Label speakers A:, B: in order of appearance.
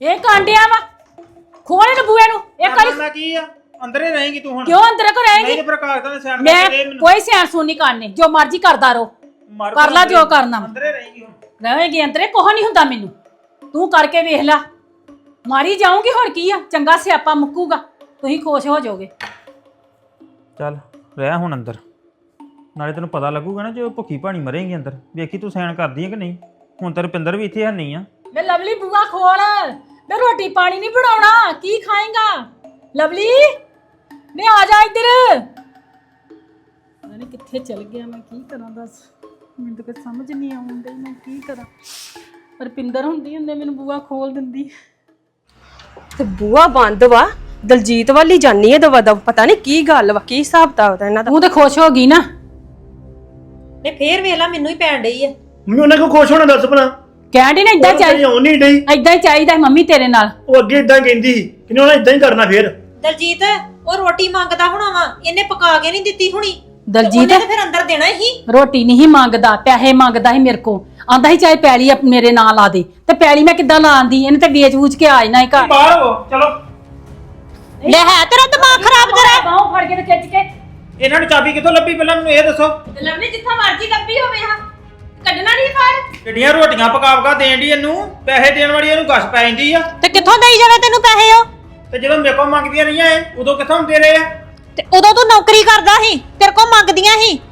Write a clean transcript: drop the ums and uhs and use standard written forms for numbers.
A: ਇਹ ਕਾਂਡਿਆ ਵਾ ਖੋਲੇ ਨੂੰ ਬੂਏ ਨੂੰ ਇਹ ਕਲੀ
B: ਕਰਨਾ ਕੀ ਆ ਅੰਦਰੇ ਰਹੇਗੀ ਤੂੰ ਹੁਣ
A: ਕਿਉਂ ਅੰਦਰ ਕੋ
B: ਨਹੀਂ
A: ਰਹੇਗੀ
B: ਤੇ ਪ੍ਰਕਾਸ਼ ਦਾ ਸਿਆਣ
A: ਮੈਂ
B: ਕਰਕੇ ਦੇ ਮੈਨੂੰ
A: ਕੋਈ ਸਿਆਣ ਸੁਣ ਨਹੀਂ ਕਰਨੀ ਜੋ ਮਰਜ਼ੀ ਕਰਦਾ ਰਹੋ
B: ਮਾਰ
A: ਕਰ ਲਾ ਜੋ ਕਰਨਾ ਵਾ।
B: ਅੰਦਰੇ ਰਹੇਗੀ ਹੁਣ
A: ਰਹੇਗੀ ਅੰਦਰੇ ਕੋਹ ਨਹੀਂ ਹੁੰਦਾ ਮੈਨੂੰ ਤੂੰ ਕਰਕੇ ਵੇਖ ਲੈ ਮਾਰੀ ਜਾਊਂਗੀ ਹੁਣ ਕੀ ਆ ਚੰਗਾ ਸਿਆਪਾ ਮੁੱਕੂਗਾ ਤੁਸੀਂ ਖੁਸ਼ ਹੋ ਜਾਓਗੇ
B: ਚੱਲ ਰਹਿ ਹੁਣ ਅੰਦਰ ਨਾਲੇ ਤੈਨੂੰ ਪਤਾ ਲੱਗੂਗਾ ਨਾ ਜੇ ਭੁੱਖੀ ਭਾਣੀ ਮਰੇਂਗੀ ਅੰਦਰ ਵੇਖੀ ਤੂੰ ਸੈਣ ਕਰਦੀ ਹੈ ਕਿ ਨਹੀਂ ਹੁਣ ਤੇ ਰੁਪਿੰਦਰ ਵੀ ਇੱਥੇ ਹੈ ਨਹੀਂ ਆ
A: ਮੈਂ ਲਵਲੀ ਬੂਆ ਖੋਲ ਮੈਂ ਰੋਟੀ ਪਾਣੀ ਨਹੀਂ ਬਣਾਉਣਾ ਕੀ ਖਾਏਗਾ ਲਵਲੀ ਮੈਂ ਆ ਜਾ ਇੱਧਰ ਪਤਾ ਨਹੀਂ ਕਿੱਥੇ ਚਲ ਗਿਆ ਮੈਂ ਕੀ ਕਰਾਂ ਦੱਸ ਮੈਨੂੰ ਤਾਂ ਕੁਝ ਸਮਝ ਨਹੀਂ ਆਉਂਦੀ ਮੈਂ ਕੀ ਕਰਾਂ ਰੁਪਿੰਦਰ ਹੁੰਦੀ ਹੁੰਦੇ ਮੈਨੂੰ ਬੂਆ ਖੋਲ ਦਿੰਦੀ
C: ਤੇ ਬੂਆ ਬੰਦ ਵਾ ਦਲਜੀਤ ਵਾਲੀ ਜਾਨੀ ਹੈ ਦਵਾ ਦਵ ਪਤਾ ਨਹੀਂ ਕੀ ਗੱਲ ਵਾ ਕੀ ਹਿਸਾਬ ਤਾ ਉਹਦਾ ਇਹਨਾਂ ਦਾ
A: ਤੂੰ ਤਾਂ ਖੁਸ਼ ਹੋ ਗਈ ਨਾ
D: ਨੇ ਫੇਰ ਵੇਖ ਲਾ ਮੈਨੂੰ ਹੀ ਪੈਣ ਡਈ ਐ
E: ਮੰਮੀ ਉਹਨਾਂ ਕੋ ਖੁਸ਼ ਹੋਣਾ ਦੱਸ ਭਲਾ
A: ਕਹਿੰਦੀ ਨਾ ਇਦਾਂ ਚਾਹੀਦਾ
E: ਉਹ ਨਹੀਂ ਡਈ
A: ਇਦਾਂ ਹੀ ਚਾਹੀਦਾ ਮੰਮੀ ਤੇਰੇ ਨਾਲ
E: ਉਹ ਅੱਗੇ ਇਦਾਂ ਕਹਿੰਦੀ ਸੀ ਕਿ ਉਹਨਾਂ ਇਦਾਂ ਹੀ ਕਰਨਾ ਫੇਰ
D: ਦਲਜੀਤ ਉਹ ਰੋਟੀ ਮੰਗਦਾ ਹੋਣਾ ਵਾ ਇਹਨੇ ਪਕਾ ਕੇ ਨਹੀਂ ਦਿੱਤੀ ਹੁਣੀ
A: ਦਲਜੀਤ
D: ਉਹਨੇ ਤਾਂ ਫਿਰ ਅੰਦਰ ਦੇਣਾ ਹੀ
A: ਰੋਟੀ ਨਹੀਂ ਮੰਗਦਾ ਪੈਸੇ ਮੰਗਦਾ ਸੀ ਮੇਰੇ ਕੋ ਆਂਦਾ ਸੀ ਚਾਹੇ ਪੈਲੀ ਮੇਰੇ ਨਾਂ ਲਾ ਦੇ ਤੇ ਪੈਲੀ ਮੈਂ ਕਿੱਦਾਂ ਲਾਉਂਦੀ ਇਹਨੇ ਤੇ ਵੇਚ ਵੂਚ ਕੇ ਆ ਜਾਣਾ ਹੀ ਘਰ
B: ਬਾਹਰ ਹੋ ਚਲੋ
D: ਲੈ ਹੈ ਤੇਰਾ ਦਿਮਾਗ ਖਰਾਬ ਜਰਾ
A: ਬਾਹੋਂ ਫੜ ਕੇ ਤੇ ਖਿੱਚ ਕੇ
B: ਇਹਨਾਂ ਨੂੰ ਚਾਬੀ ਕਿੱਥੋਂ ਲੱਭੀ ਪਹਿਲਾਂ ਮੈਨੂੰ ਇਹ ਦੱਸੋ
A: ਲਵਲੀ ਜਿੱਥਾ ਮਰਜੀ ਲੱਭੀ ਹੋਵੇ ਹਾਂ ਕੱਢਣਾ ਨਹੀਂ ਬਾਹਰ
B: ਕਿੱਡੀਆਂ ਰੋਟੀਆਂ ਪਕਾ ਦੇਣ ਦੀ ਇਹਨੂੰ ਪੈਸੇ ਦੇਣ ਵਾਲੀ ਇਹਨੂੰ ਗਸ ਪੈ ਜਾਂਦੀ ਆ
D: ਤੇ ਕਿੱਥੋਂ ਦੇਈ ਜਾਵੇ ਤੈਨੂੰ ਪੈਸੇ ਉਹ
B: ਤੇ ਜਦੋਂ ਮੇਰੇ ਕੋਲ ਮੰਗਦੀਆਂ ਰਹੀਆਂ ਇਹ ਉਦੋਂ ਕਿੱਥੋਂ ਦੇ ਰਹੇ ਆ
D: ਤੇ ਉਦੋਂ ਤੂੰ ਨੌਕਰੀ ਕਰਦਾ ਸੀ ਤੇਰੇ ਕੋਲ ਮੰਗਦੀਆਂ ਸੀ